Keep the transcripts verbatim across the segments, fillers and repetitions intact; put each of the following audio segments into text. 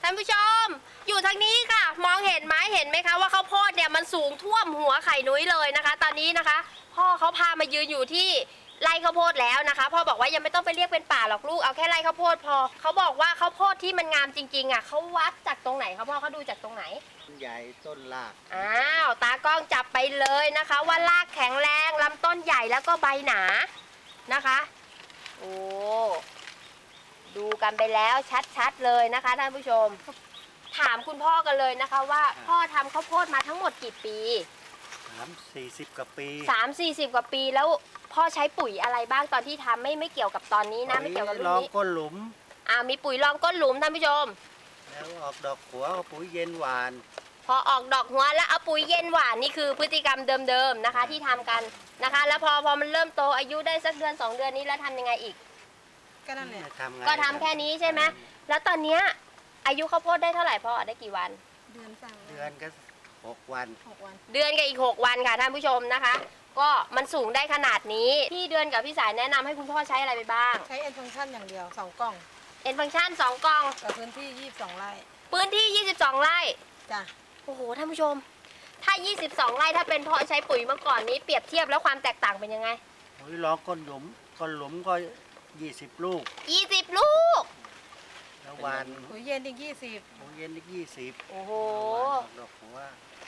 ท่านผู้ชมอยู่ทางนี้ค่ะมองเห็นไหมเห็นไหมคะว่าข้าวโพดเนี่ยมันสูงท่วมหัวไข่นุ้ยเลยนะคะตอนนี้นะคะพ่อเขาพามายืนอยู่ที่ไร่ข้าวโพดแล้วนะคะพ่อบอกว่ายังไม่ต้องไปเรียกเป็นป่าหรอกลูกเอาแค่ไร่ข้าวโพดพอเขาบอกว่าข้าวโพดที่มันงามจริงๆอ่ะเขาวัดจากตรงไหนคะพ่อเขาดูจากตรงไหนใหญ่ต้นรากอ้าวตากล้องจับไปเลยนะคะว่ารากแข็งแรงลำต้นใหญ่แล้วก็ใบหนานะคะโอ้ดูกันไปแล้วชัดๆเลยนะคะท่านผู้ชมถามคุณพ่อกันเลยนะคะว่าพ่อทำข้าวโพดมาทั้งหมดกี่ปีสามสี่สิบกว่าปีสามสี่สิบกว่าปีแล้วพ่อใช้ปุ๋ยอะไรบ้างตอนที่ทำไม่ไม่เกี่ยวกับตอนนี้นะไม่เกี่ยวกับรุ่นนี้ลองก้นหลุมอ่ามีปุ๋ยรองก้นหลุมท่านผู้ชมแล้วออกดอกหัวปุ๋ยเย็นหวานพอออกดอกหัวแล้วเอาปุ๋ยเย็นหวานนี่คือพฤติกรรมเดิมๆนะคะที่ทำกันนะคะแล้วพอพอมันเริ่มโตอายุได้สักเดือนสองเดือนนี้แล้วทำยังไงอีกก็นั่นแหละก็ทำแค่นี้ใช่ไหมแล้วตอนเนี้ยอายุข้าวโพดได้เท่าไหร่พ่อได้กี่วันเดือนสามเดือนก็หกวันเดือนกับอีกหกวันค่ะท่านผู้ชมนะคะก็มันสูงได้ขนาดนี้พี่เดือนกับพี่สายแนะนำให้คุณพ่อใช้อะไรไปบ้างใช้เอ็นฟังก์ชันอย่างเดียวสองกล่องเอ็นฟังก์ชันสองกล่องกับพื้นที่ยี่สิบสองไร่พื้นที่ยี่สิบสองไร่จ้ะโอ้โหท่านผู้ชมถ้ายี่สิบสองไร่ถ้าเป็นพ่อใช้ปุ๋ยเมื่อก่อนนี้เปรียบเทียบแล้วความแตกต่างเป็นยังไงปุ๋ยล้อก้นหลุมก้นหลุมก็ยี่สิบลูกยี่สิบลูกแล้ววันปุ๋ยเย็นอีกยี่สิบปุ๋ยเย็นอีกยี่สิบโอ้โหดอกหัว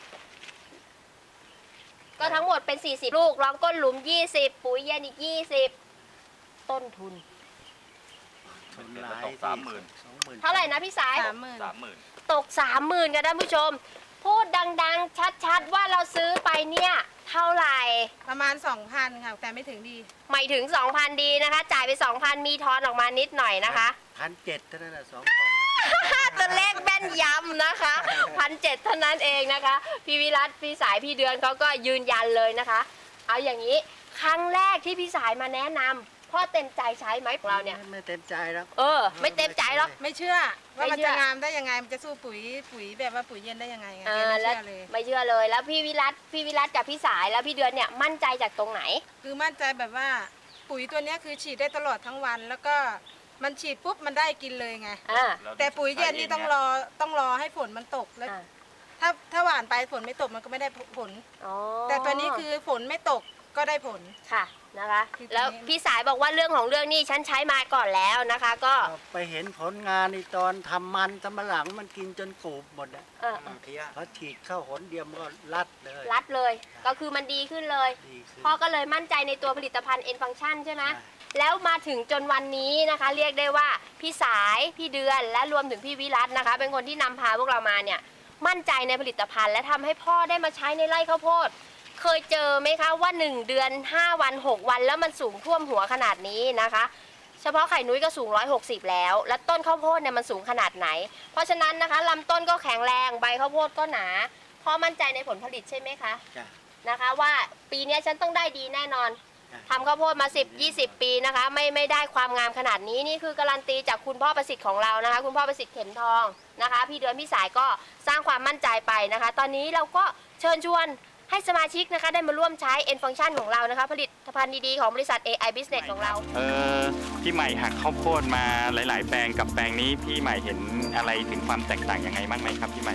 ก็ทั้งหมดเป็นสี่สิบลูกรองก้นหลุมยี่สิบปุ๋ยเย็นอีกยี่สิบต้นทุนทุนหลายสามหมื่นเท่าไหร่นะพี่สายสามหมื่นสามหมื่นตกสามหมื่นกันท่านผู้ชมพูดดังๆชัดๆว่าเราซื้อไปเนี่ยเท่าไหร่ประมาณสองพันค่ะแต่ไม่ถึงดีไม่ถึงสองพันดีนะคะจ่ายไปสองพันมีทอนออกมานิดหน่อยนะคะพันเจ็ดเท่านั้นแหละสองกล่องตัวเลขแม่นยำนะคะพันเจ็ดเท่านั้นเองนะคะพี่วิรัตพี่สายพี่เดือนเขาก็ยืนยันเลยนะคะเอาอย่างนี้ครั้งแรกที่พี่สายมาแนะนำพ่อเต็มใจใช้ไหมของเราเนี่ยไม่เต็มใจแล้วเออไม่เต็มใจหรอกไม่เชื่อว่ามันจะงามได้ยังไงมันจะสู้ปุ๋ยปุ๋ยแบบว่าปุ๋ยเย็นได้ยังไงไงไม่เชื่อเลยไม่เชื่อเลยแล้วพี่วิรัตพี่วิรัตกับพี่สายแล้วพี่เดือนเนี่ยมั่นใจจากตรงไหนคือมั่นใจแบบว่าปุ๋ยตัวนี้คือฉีดได้ตลอดทั้งวันแล้วก็มันฉีดปุ๊บมันได้กินเลยไงแต่ปุ๋ยเย็นนี่ต้องรอต้องรอให้ฝนมันตกแล้วถ้าถ้าหว่านไปฝนไม่ตกมันก็ไม่ได้ผลแต่ตอนนี้คือฝนไม่ตกก็ได้ผลค่ะนะคะแล้วพี่สายบอกว่าเรื่องของเรื่องนี่ฉันใช้มาก่อนแล้วนะคะก็ไปเห็นผลงานในตอนทำมันทำมะหลังมันกินจนกูบหมดอ่ะเขาฉีดเข้าหนเดียวมันก็รัดเลยรัดเลยก็คือมันดีขึ้นเลยพ่อก็เลยมั่นใจในตัวผลิตภัณฑ์เอ็นฟังก์ชันใช่ไหมแล้วมาถึงจนวันนี้นะคะเรียกได้ว่าพี่สายพี่เดือนและรวมถึงพี่วิรัตนะคะเป็นคนที่นำพาพวกเรามาเนี่ยมั่นใจในผลิตภัณฑ์และทำให้พ่อได้มาใช้ในไร่ข้าวโพดเคยเจอไหมคะว่าหนึ่งเดือนห้าวันหกวันแล้วมันสูงท่วมหัวขนาดนี้นะคะเฉพาะไข่นุ้ยก็สูงหนึ่งร้อยหกสิบแล้วและต้นข้าวโพดเนี่ยมันสูงขนาดไหนเพราะฉะนั้นนะคะลำต้นก็แข็งแรงใบข้าวโพดก็หนาพ่อมั่นใจในผลผลิตใช่ไหมคะนะคะว่าปีนี้ฉันต้องได้ดีแน่นอนทำข้าวโพดมาสิบ ยี่สิบปีนะคะไม่ไม่ได้ความงามขนาดนี้นี่คือการันตีจากคุณพ่อประสิทธิ์ของเรานะคะคุณพ่อประสิทธิ์เข็มทองนะคะพี่เดือนพี่สายก็สร้างความมั่นใจไปนะคะตอนนี้เราก็เชิญชวนให้สมาชิกนะคะได้มาร่วมใช้ N Function ของเรานะคะผลิตภัณฑ์ดีๆของบริษัท เอ ไอ Business ของเราเออพี่ใหม่หักข้าวโพดมาหลายๆแปลงกับแปลงนี้พี่ใหม่เห็นอะไรถึงความแตกต่างยังไงบ้างไหมครับพี่ใหม่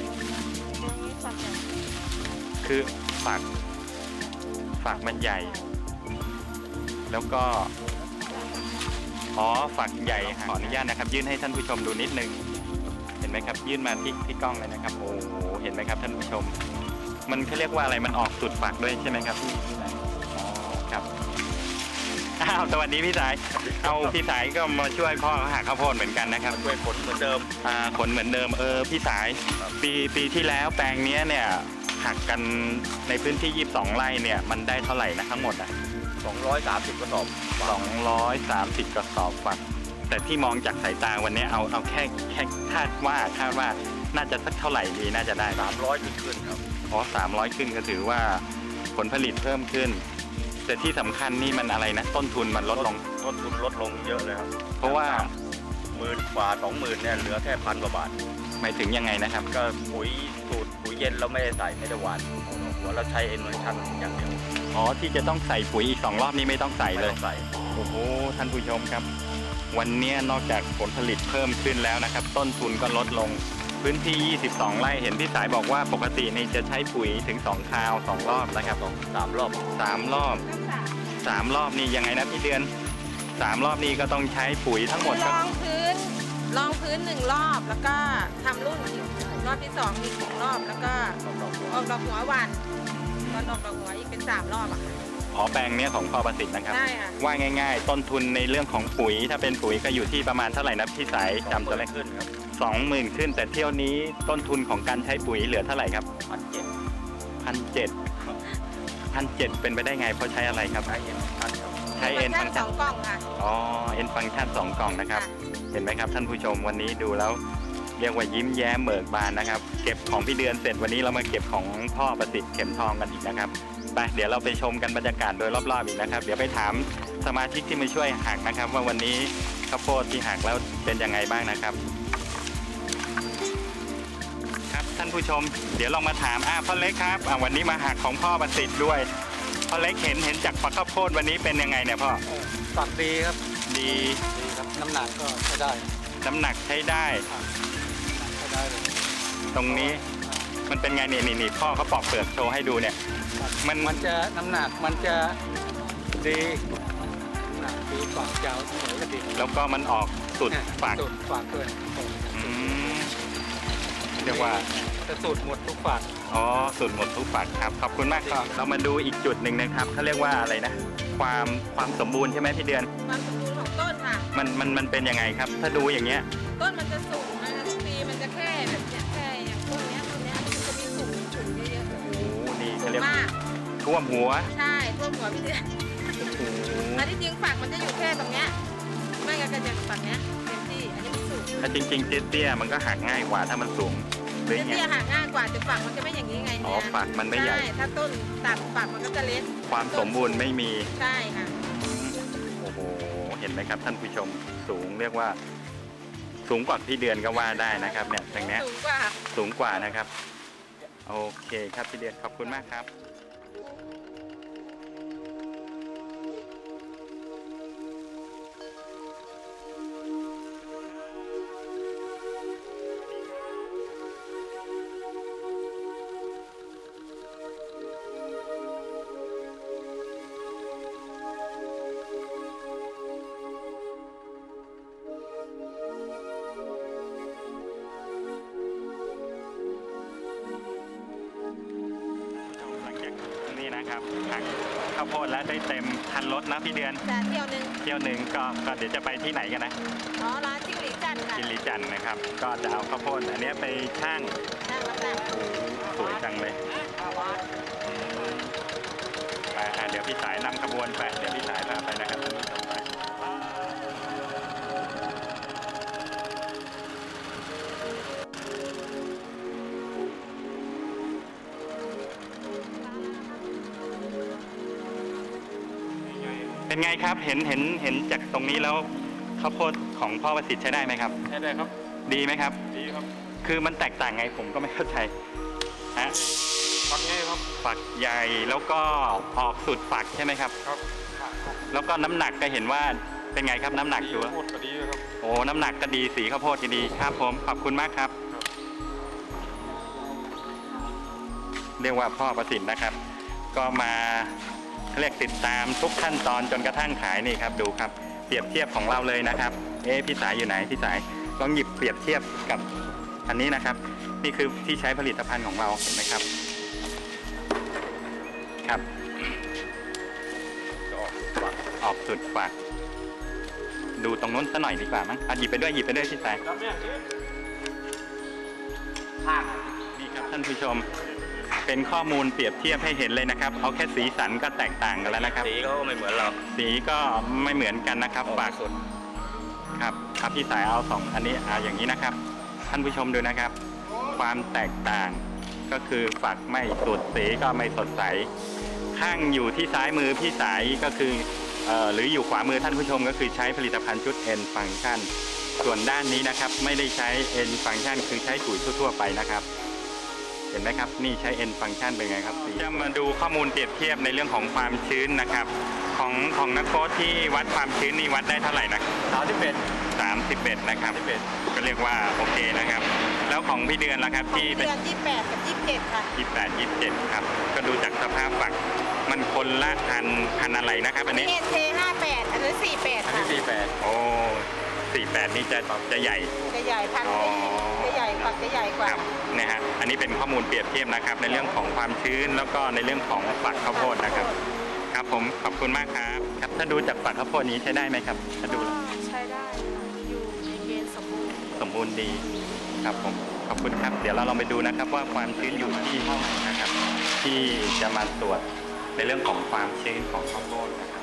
คือฝักฝักมันใหญ่แล้วก็อ๋อฝักใหญ่ขออนุญาตนะครับยื่นให้ท่านผู้ชมดูนิดนึงเห็นไหมครับยื่นมาที่ที่กล้องเลยนะครับโอ้โหเห็นไหมครับท่านผู้ชมมันเขาเรียกว่าอะไรมันออกสุดฝักด้วยใช่ไหมครับอ๋อครับอ้าวสวัสดีพี่สายเอาพี่สายก็มาช่วยพ่อหักข้าวโพดเหมือนกันนะครับช่วยขนเหมือนเดิมอ่าขนเหมือนเดิมเออพี่สายปีปีที่แล้วแปลงนี้เนี่ยหักกันในพื้นที่ยี่สิบสองไร่เนี่ยมันได้เท่าไหร่นะทั้งหมดอ่ะสองร้อยสามสิบกระสอบสองร้อยสามสิบกระสอบฝักแต่ที่มองจากสายตาวันนี้เอาเอาแค่แค่คาดว่าคาดว่าน่าจะสักเท่าไหร่ดีน่าจะได้สามร้อยขึ้นครับอ๋อสามร้อยขึ้นก็ถือว่าผลผลิตเพิ่มขึ้นแต่ที่สำคัญนี่มันอะไรนะต้นทุนมันลดลงต้นทุนลดลงเยอะเลยครับเพราะว่าหมื่นกว่าสองหมื่นเนี่ยเหลือแค่พันกว่าบาทหมายถึงยังไงนะครับก็ปุ๋ยสูตรปุ๋ยเย็นเราไม่ได้ใส่ไม่ได้หวานหัวเราใช้เอ็นวันชันอย่างเดียวอ๋อที่จะต้องใส่ปุ๋ยอีกสองรอบนี้ไม่ต้องใส่เลยใส่โอ้โหท่านผู้ชมครับวันนี้นอกจากผลผลิตเพิ่มขึ้นแล้วนะครับต้นทุนก็ลดลงพื้นที่ ยี่สิบสอง ไร่เห็นพี่สายบอกว่าปกตินี่จะใช้ปุ๋ยถึงสองคราวสองรอบนะครับสองสามรอบสามรอบสามรอบนี่ยังไงนะพี่เดือนสามรอบนี่ก็ต้องใช้ปุ๋ยทั้งหมดรองพื้นรองพื้นหนึ่งรอบแล้วก็ทำรุ่นอีกรอบที่สองอีกสองรอบแล้วก็ออกดอกหัววันตอนออกดอกหัวอีกเป็นสามรอบอะค่ะอ๋อแปลงเนี้ยของพ่อประสิทธิ์นะครับใช่ค่ะว่าง่ายๆต้นทุนในเรื่องของปุ๋ยถ้าเป็นปุ๋ยก็อยู่ที่ประมาณเท่าไหร่นะพี่สายจำตัวเลขขึ้นครับสองหมื่นขึ้นแต่เที่ยวนี้ต้นทุนของการใช้ปุ๋ยเหลือเท่าไหร่ครับพันเจ็ดพันเจ็ดพันเจ็ดเป็นไปได้ไงเพราะใช้อะไรครับใช้เอ็นฟังใช้เอ็นฟังสองกล่องค่ะอ๋อเอ็นฟังก์ชันสองกล่องนะครับเห็นไหมครับท่านผู้ชมวันนี้ดูแล้วเรียกว่ายิ้มแย้มเบิกบานนะครับเก็บของพี่เดือนเสร็จวันนี้เรามาเก็บของพ่อประสิทธิ์เข็มทองกันอีกนะครับไปเดี๋ยวเราไปชมกันบรรยากาศโดยรอบๆอีกนะครับเดี๋ยวไปถามสมาชิกที่มาช่วยหักนะครับว่าวันนี้ข้าวโพดที่หักแล้วเป็นยังไงบ้างนะครับครับท่านผู้ชมเดี๋ยวลองมาถามอ่าพ่อเล็กครับอ่าวันนี้มาหักของพ่อประสิทธิ์ด้วยพ่อเล็กเห็นเห็นจากฝักข้าวโพดวันนี้เป็นยังไงเนี่ยพ่อฝักดีครับดีดีครับน้ำหนักก็ใช้ได้น้ำหนักใช้ได้ใช้ได้เลยตรงนี้มันเป็นไงนี่นี่นี่พ่อเขาปอกเปลือกโชว์ให้ดูเนี่ยมันมันจะน้ำหนักมันจะดีน้ำหนักดีฝักยาวเสมอก็ดีแล้วก็มันออกสุดฝักสุดฝักด้วยเรียกว่าจะสุดหมดทุกฝักอ๋อสุดหมดทุกฝักครับขอบคุณมากครับเรามาดูอีกจุดหนึ่งนะครับเขาเรียกว่าอะไรนะความความสมบูรณ์ใช่ไหมพี่เดือนความสมบูรณ์ของต้นค่ะมันมันมันเป็นยังไงครับถ้าดูอย่างเงี้ยต้นมันจะสูงนะคะทุกปีมันจะแค่แบบเนี้ยแค่อย่างต้นเนี้ยต้นเนี้ยมันจะมีสูงสูงเยอะๆโอ้นี่เขาเรียกมากท่วมหัวใช่ท่วมหัวพี่เดือนอันที่จริงฝักมันจะอยู่แค่ตรงเนี้ยไม่งั้นก็จะฝั่งเนี้ยเต็มที่อันนี้มันสูงถ้าจริงๆเตี้ยๆมันก็หักง่ายกว่าถ้ามันสูงเตี้ยหักง่ายกว่าแต่ฝักมันจะไม่อย่างนี้ไงอ๋อฝักมันไม่ใหญ่ถ้าต้นต่ำฝักมันก็จะเล็กความสมบูรณ์ไม่มีใช่ค่ะโอ้โหเห็นไหมครับท่านผู้ชมสูงเรียกว่าสูงกว่าพี่เดือนก็ว่าได้นะครับเนี่ยตรงนี้สูงกว่าสูงกว่านะครับโอเคครับพี่เดือนขอบคุณมากครับนะครับหักข้าวโพดแล้วได้เต็มคันรถนะพี่เดือนเที่ยวหนึ่งเที่ยวหนึ่งก็ก็เดี๋ยวจะไปที่ไหนกันนะอ๋อร้านจิ้งหรีจันค่ะจิ้งหรีจันนะครับก็จะเอาข้าวโพดอันนี้ไปช่างช่างน้ำหนักสวยจังเลยไปเดี๋ยวพี่สายนำขบวนไปเดี๋ยวพี่สายพาไปนะครับท่านผู้ชมไปเป็นไงครับเห็นเห็นเห็นจากตรงนี้แล้วข้าวโพดของพ่อประสิทธิ์ใช้ได้ไหมครับใช้ได้ครับดีไหมครับดีครับคือมันแตกต่างไงผมก็ไม่เข้าใจฮะฝักใหญ่ครับฝักใหญ่แล้วก็ออกสุดฝักใช่ไหมครับครับแล้วก็น้ำหนักก็เห็นว่าเป็นไงครับน้ำหนักดูข้าวโพดก็ดีครับโอ้น้ำหนักก็ดีสีข้าวโพดก็ดีครับผมขอบคุณมากครับเรียกว่าพ่อประสิทธิ์นะครับก็มาเรียกติดตามทุกขั้นตอนจนกระทั่งขายนี่ครับดูครับเปรียบเทียบของเราเลยนะครับเอ๊ะพี่สายอยู่ไหนพี่สายลองหยิบเปรียบเทียบกับอันนี้นะครับนี่คือที่ใช้ผลิตภัณฑ์ของเราเห็นไหมครับครับออกสุดฝักออกสุดฝักดูตรงนู้นซะหน่อยดีกว่ามั้งหยิบไปด้วยหยิบไปด้วยพี่สายนี่ครับท่านผู้ชมเป็นข้อมูลเปรียบเทียบให้เห็นเลยนะครับเอาแค่สีสันก็แตกต่างกันแล้วนะครับสีก็ไม่เหมือนเราสีก็ไม่เหมือนกันนะครับฝากสุดครับครับพี่สายเอาสองอันนี้เอาอย่างนี้นะครับท่านผู้ชมดูนะครับความแตกต่างก็คือฝักไม่สุดสีก็ไม่สดใสข้างอยู่ที่ซ้ายมือพี่สายก็คือเอ่อหรืออยู่ขวามือท่านผู้ชมก็คือใช้ผลิตภัณฑ์ชุด N Function ส่วนด้านนี้นะครับไม่ได้ใช้ N Function คือใช้ปุ๋ยทั่วๆไปนะครับเห็นไหมครับนี่ใช้ N Function เป็นไงครับจะมาดูข้อมูลเปรียบเทียบในเรื่องของความชื้นนะครับของของนักโค้ชที่วัดความชื้นนี่วัดได้เท่าไหร่นะสามสิบเอ็ดสามสิบเอ็ดนะครับก็เรียกว่าโอเคนะครับแล้วของพี่เดือนแล้วครับที่เดือนยี่สิบแปดกับยี่สิบเจ็ดค่ะยี่สิบแปด ยี่สิบเจ็ดครับก็ดูจากสภาพฝักมันคนละพันพันอะไรนะครับอันนี้เอเคห้าแปดอันนี้สี่แปดค่ะสี่แปดโอ้สี่แปดนี่จะจะใหญ่จะใหญ่พันอ๋อจะใหญ่ฝักจะใหญ่กว่าครับนะฮะอันนี้เป็นข้อมูลเปรียบเทียบนะครับในเรื่องของความชื้นแล้วก็ในเรื่องของฝักข้าวโพดนะครับครับผมขอบคุณมากครับครับถ้าดูจากฝักข้าวโพดนี้ใช้ได้ไหมครับถ้าดูใช้ได้อยู่ในเกณฑ์สมบูรณ์สมบูรณ์ดีครับผมขอบคุณครับเดี๋ยวเราลองไปดูนะครับว่าความชื้นอยู่ที่เท่าไหร่นะครับที่จะมาตรวจในเรื่องของความชื้นของข้าวโพดนะครับ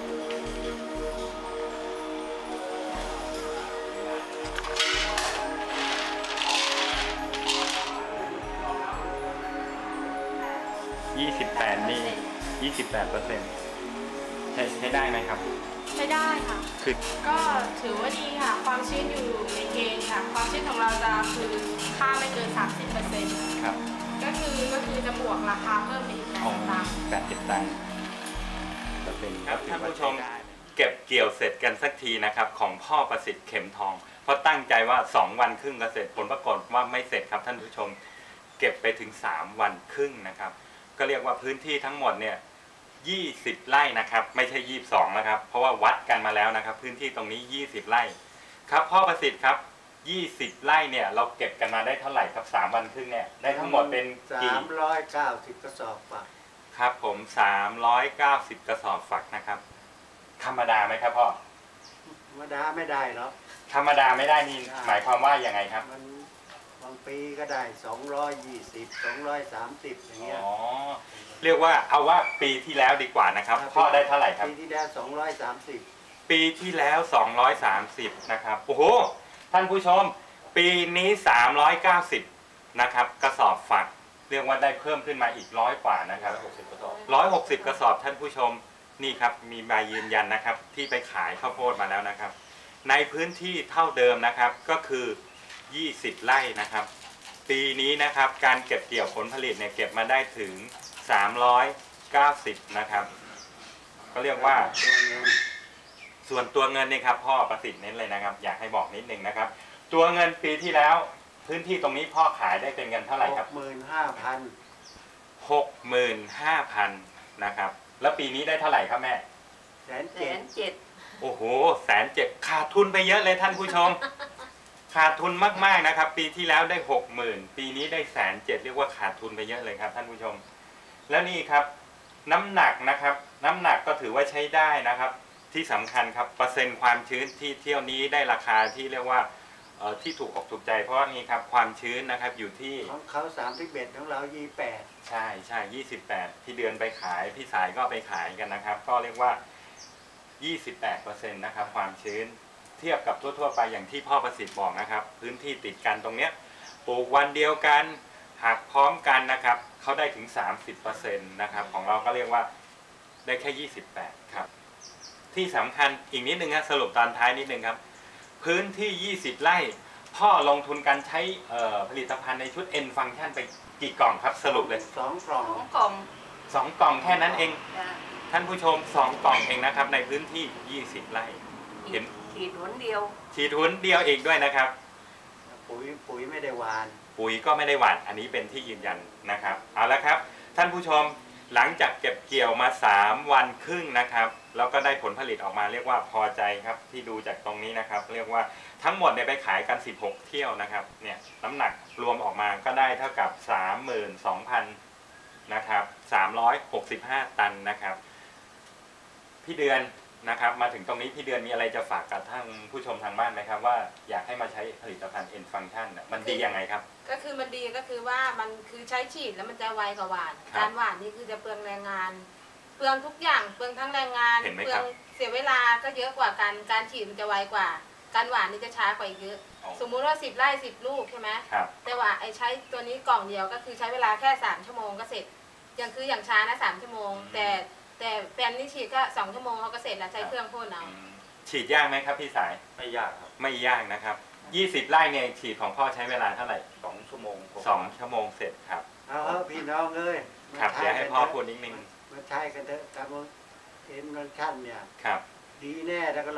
ยี่สิบแปดนี่ยี่สิบแปดเปอร์เซ็นต์ใช้ใช้ได้ไหมครับใช้ได้ค่ะคือก็ถือว่าดีค่ะ ความชื้นอยู่ในเกณฑ์ค่ะ ความชื้นของเราจะคือค่าไม่เกิน สามสิบเปอร์เซ็นต์ครับก็คือก็คือจะบวกราคาเพิ่มไปอีกแปดอ๋อตังค์แปดสิบตังค์เปอร์เซ็นต์ครับก็ถือท่านว่ผู้ชมใได้เก็บเกี่ยวเสร็จกันสักทีนะครับของพ่อประสิทธิ์เข็มทอง เพราะตั้งใจว่าสองวันครึ่งก็เสร็จผลปรากฏว่าไม่เสร็จครับท่านผู้ชม เก็บไปถึงสามวันครึ่งนะครับก็เรียกว่าพื้นที่ทั้งหมดเนี่ยยี่สิบไร่นะครับไม่ใช่ยี่สิบสองนะครับเพราะว่าวัดกันมาแล้วนะครับพื้นที่ตรงนี้ยี่สิบไร่ครับพ่อประสิทธิ์ครับยี่สิบไร่เนี่ยเราเก็บกันมาได้เท่าไหร่ครับสามวันครึ่งเนี่ยได้ทั้งหมดเป็นสากี่มร้อยเก้าสิบกระสอบฝักครับผมสามร้อยเก้าสิบกระสอบฝักนะครับธรรมดาไหมครับพ่อธรรมดาไม่ได้หรอกธรรมดาไม่ได้นี่หมายความว่ายังไงครับมันบางปีก็ได้สองร้อยยี่สิบ สองร้อยสามสิบอย่างเงี้ยอ๋อเรียกว่าเอาว่าปีที่แล้วดีกว่านะครับพ่อได้เท่าไหร่ครับปีที่แล้วสองร้อยสามสิบปีที่แล้วสองร้อยสามสิบนะครับโอ้โหท่านผู้ชมปีนี้สามร้อยเก้าสิบนะครับกระสอบฝักเรียกว่าได้เพิ่มขึ้นมาอีกร้อยกว่านะครับร้อยหกสิบกระสอบท่านผู้ชมนี่ครับมีใบยืนยันนะครับที่ไปขายข้าวโพดมาแล้วนะครับ ในพื้นที่เท่าเดิมนะครับก็คือยี่สิบไร่นะครับปีนี้นะครับการเก็บเกี่ยวผลผลิตเนี่ยเก็บมาได้ถึงสามร้อยเก้าสิบนะครับก็เรียกว่าส่วนตัวเงินนี่ครับพ่อประสิทธิ์เน้นเลยนะครับอยากให้บอกนิดนึงนะครับตัวเงินปีที่แล้วพื้นที่ตรงนี้พ่อขายได้เป็นเงินเท่าไหร่ครับหกหมื่นห้าพันหกหมื่นห้าพันนะครับแล้วปีนี้ได้เท่าไหร่ครับแม่แสนเจ็ดเจ็ดโอ้โหแสนเจ็ดขาดทุนไปเยอะเลยท่านผู้ชม ขาดทุนมากๆนะครับปีที่แล้วได้หกหมื่นปีนี้ได้แสนเจ็ดเรียกว่าขาดทุนไปเยอะเลยครับท่านผู้ชมแล้วนี่ครับน้ำหนักนะครับน้ำหนักก็ถือว่าใช้ได้นะครับที่สำคัญครับเปอร์เซ็นต์ความชื้นที่เที่ยวนี้ได้ราคาที่เรียกว่าเอ่อที่ถูกอกถูกใจเพราะว่านี่ครับความชื้นนะครับอยู่ที่ของเขาสามสิบเอ็ดของเรายี่แปดใช่ใช่ยี่สิบแปดพี่เดือนไปขายพี่สายก็ไปขายกันนะครับก็เรียกว่ายี่สิบแปดเปอร์เซ็นต์นะครับความชื้นเทียบกับทั่วๆไปอย่างที่พ่อประสิทธิ์บอกนะครับพื้นที่ติดกันตรงเนี้ยปลูกวันเดียวกันหักพร้อมกันนะครับเขาได้ถึง สามสิบเปอร์เซ็นต์ นะครับของเราก็เรียกว่าได้แค่ยี่สิบแปดครับที่สำคัญอีกนิดนึงครับสรุปตอนท้ายนิดนึงครับพื้นที่ยี่สิบไร่พ่อลงทุนการใช้ผลิตภัณฑ์ในชุด N Function ไปกี่กล่องครับสรุปเลยสองกล่องของกล่องสองกล่องแค่นั้นเองจ้ะท่านผู้ชมสองกล่องเองนะครับในพื้นที่ยี่สิบไร่เห็นขีดหนเดียวฉีดหุ้นเดียวเองด้วยนะครับปุ๋ยปุ๋ยไม่ได้หวานปุ๋ยก็ไม่ได้หวานอันนี้เป็นที่ยืนยันนะครับเอาละครับท่านผู้ชมหลังจากเก็บเกี่ยวมาสามวันครึ่งนะครับแล้วก็ได้ผลผลิตออกมาเรียกว่าพอใจครับที่ดูจากตรงนี้นะครับเรียกว่าทั้งหมดเนี่ยไปขายกันสิบหกเที่ยวนะครับเนี่ยน้ำหนักรวมออกมาก็ได้เท่ากับ สามหมื่นสองพัน นะครับสามร้อยหกสิบห้าตันนะครับพี่เดือนนะครับมาถึงตรงนี้พี่เดือนมีอะไรจะฝากกับท่านผู้ชมทางบ้านไหมครับว่าอยากให้มาใช้ผลิตภัณฑ์ N Function น่ะมันดียังไงครับก็คือมันดีก็คือว่ามันคือใช้ฉีดแล้วมันจะไวกว่าหวานครับการหวานนี่คือจะเปลืองแรงงาน เปลืองทุกอย่างเปลืองทั้งแรงงานเห็นไหมเปลืครัอบ งเสียเวลาก็เยอะกว่าการการฉีดมันจะไวกว่า การหวานนี่จะช้ากว่าอีกเยอะอ๋อสมมุติว่าสิบไร่สิบลูกใช่ไหมครับแต่ว่าไอ้ใช้ตัวนี้กล่องเดียวก็คือใช้เวลาแค่สามชั่วโมงก็เสร็จอย่างคืออย่างช้านะสามชั่วโมง แต่แต่แฟนนี่ฉีดก็สองชั่วโมงเขาก็เสร็จแล้วใช้เครื่องพ่นเอาอืมฉีดยากไหมครับพี่สายไม่ยากครับไม่ยากนะครับยี่สิบไร่เนี่ยฉีดของพ่อใช้เวลาเท่าไหร่สองชั่วโมงสองชั่วโมงเสร็จครับเอาเถอะพี่น้องเลยครับมาเดี๋ยวให้พ่อพูดใช้นิดนึงมาใช้กันเถอะครับเอ็นฟังชั่นเนี่ยครับดีแน่แล้วก็ล็อก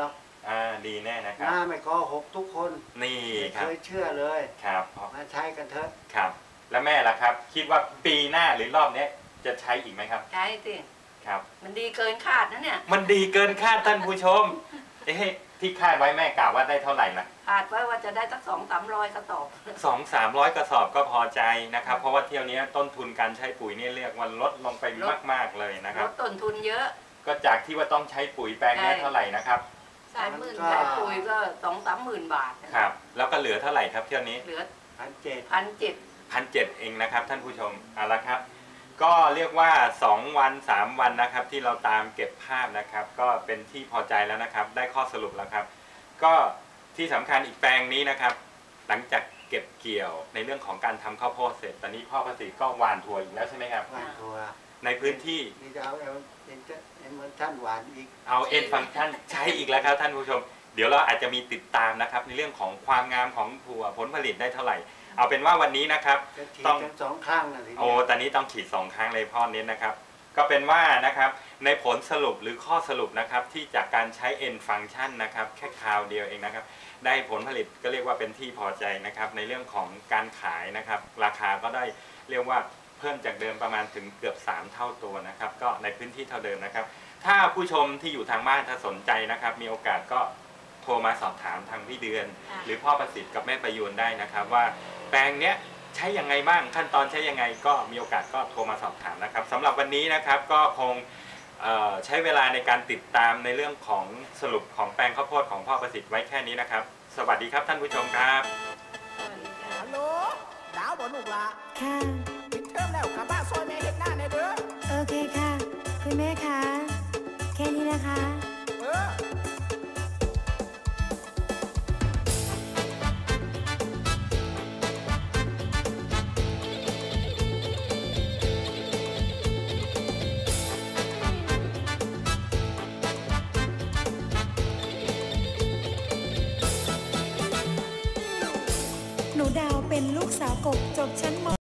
อ่าดีแน่นะครับหน้าไม่โกหกทุกคนนี่ไม่ครัเคบยเชื่อเลยครับมาใช้กันเถอะครับ แล้วแม่ล่ะครับ คิดว่าปีหน้าหรือรอบนี้จะใช้อีกไหมครับใช่สิครับมันดีเกินคาดนะเนี่ยมันดีเกินคาดท่านผู้ชม เอ๊ะที่คาดไว้แม่กล่าวว่าได้เท่าไหร่นะคาดไว้ว่าจะได้สักสองสามร้อยกระสอบสองสามร้อยกระสอบก็พอใจนะครับ เพราะว่าเที่ยวนี้ต้นทุนการใช้ปุ๋ยนี่เรียกว่าลดลงไปมากๆเลยนะคลรับดต้นทุนเยอะก็จากที่ว่าต้องใช้ปุ๋ยแปลงนี้เท่าไหร่นะครับสามหมื่นใช้ปุ๋ยก็สองสามหมื่นบาทครับ แล้วก็เหลือเท่าไหร่ครับเที่ยวนี้เหลือพันเจ็ดพันเจ็ดพันเจ็ดเองนะครับท่านผู้ชมเอาละครับ ก็เรียกว่าสองวันสามวันนะครับที่เราตามเก็บภาพนะครับ ก็เป็นที่พอใจแล้วนะครับ ได้ข้อสรุปแล้วครับ ก็ที่สำคัญอีกแปลงนี้นะครับ หลังจากเก็บเกี่ยวในเรื่องของการทำข้าวโพดเสร็จตอนนี้พ่อประสิทธิ์ก็หว่านถั่วอีกแล้วใช่ไหมครับหวานทัวในพื้นที่นี่จะเอาเอลเอ็นจะเอ็นเหมือนท่านหวานอีกเอาเอ็นฟังก์ชันใช้อีกแล้วครับท่านผู้ชม เดี๋ยวเราอาจจะมีติดตามนะครับในเรื่องของความงามของถั่วผลผลิตได้เท่าไหร่ เอาเป็นว่าวันนี้นะครับจะฉีดต้องกันสองข้างนะทีโอ้เนี้ยตอนนี้ต้องฉีดสองครั้งเลยพ่อเน้นนะครับ ก็เป็นว่านะครับในผลสรุปหรือข้อสรุปนะครับที่จากการใช้ N function นะครับแค่คราวเดียวเองนะครับได้ผลผลิตก็เรียกว่าเป็นที่พอใจนะครับในเรื่องของการขายนะครับราคาก็ได้เรียกว่าเพิ่มจากเดิมประมาณถึงเกือบสามเท่าตัวนะครับก็ในพื้นที่เท่าเดิมนะครับถ้าผู้ชมที่อยู่ทางบ้านถ้าสนใจนะครับมีโอกาสก็โทรมาสอบถามทางพี่เดือน หรือพ่อประสิทธิ์กับแม่ประยูนได้นะครับว่าแปลงเนี้ยใช้ยังไงบ้างขั้นตอนใช้ยังไงก็มีโอกาสก็โทรมาสอบถามนะครับสำหรับวันนี้นะครับก็คงใช้เวลาในการติดตามในเรื่องของสรุปของแปลงข้าวโพดของพ่อประสิทธิ์ไว้แค่นี้นะครับสวัสดีครับท่านผู้ชมครับฮัลโหลดาวบ่ลูกละค่ะปิดเทอมแล้วกลับบ้านซอยแม่เห็นหน้าในเด้อโอเคค่ะ คุณแม่คะ แค่นี้นะคะเออหนูดาวเป็นลูกสาวกบจบชั้นม